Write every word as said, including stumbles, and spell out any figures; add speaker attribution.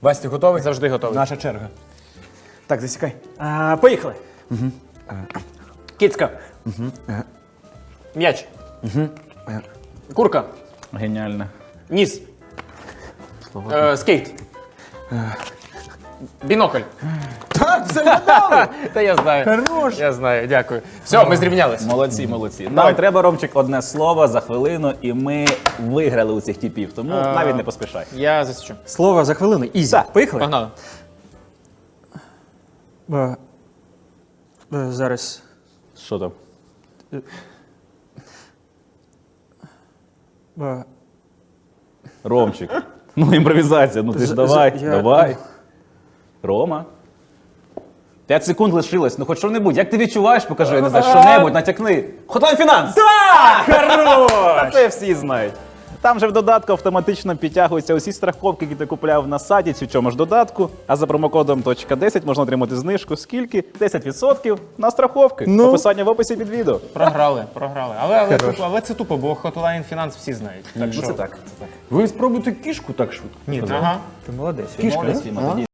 Speaker 1: Вась, ти готовий?
Speaker 2: Завжди готовий.
Speaker 1: Наша черга. Так, засікай. А, поїхали.
Speaker 2: Кицька. М'яч. Курка.
Speaker 3: Геніально.
Speaker 2: Ніс. Е, скейт. Бінокль.
Speaker 1: Так, все вгадали!
Speaker 2: Та я знаю.
Speaker 1: Хорош.
Speaker 2: Я знаю, дякую. Все, ми зрівнялись.
Speaker 3: Молодці, молодці. Нам треба, Ромчик, одне слово за хвилину, і ми виграли у цих типів, тому
Speaker 2: А.
Speaker 3: навіть не поспішай.
Speaker 2: Я засічу.
Speaker 1: Слово за хвилину. Ізі.
Speaker 3: Так.
Speaker 1: Поїхали?
Speaker 2: Погнали.
Speaker 1: Е, е, Зараз.
Speaker 3: Що там?
Speaker 1: Е,
Speaker 3: Ромчик. Ну, імпровізація, ну ти ж
Speaker 1: З-
Speaker 3: давай,
Speaker 1: з- я-
Speaker 3: давай. Рома. П'ять секунд лишилось, ну хоч що-небудь. Як ти відчуваєш, покажи, я не знаю, що-небудь, натякни. Hotline Finance!
Speaker 1: Так! Хорош!
Speaker 3: Це всі знають. Там же в додатку автоматично підтягуються усі страховки, які ти купляв на сайті цю цьому ж додатку. А за промокодом точка десять можна отримати знижку. Скільки? десять відсотків на страховки.
Speaker 1: Ну.
Speaker 3: Описання в описі під відео.
Speaker 2: Програли, програли. Але, але, тупо, але це тупо, бо Hotline Finance всі знають. Так
Speaker 3: Ну
Speaker 2: що?
Speaker 3: це так, це так.
Speaker 1: Ви спробуйте кішку так швидко.
Speaker 2: Ні, ага.
Speaker 1: Ти молодець.
Speaker 3: Молодець, Фіма, тоді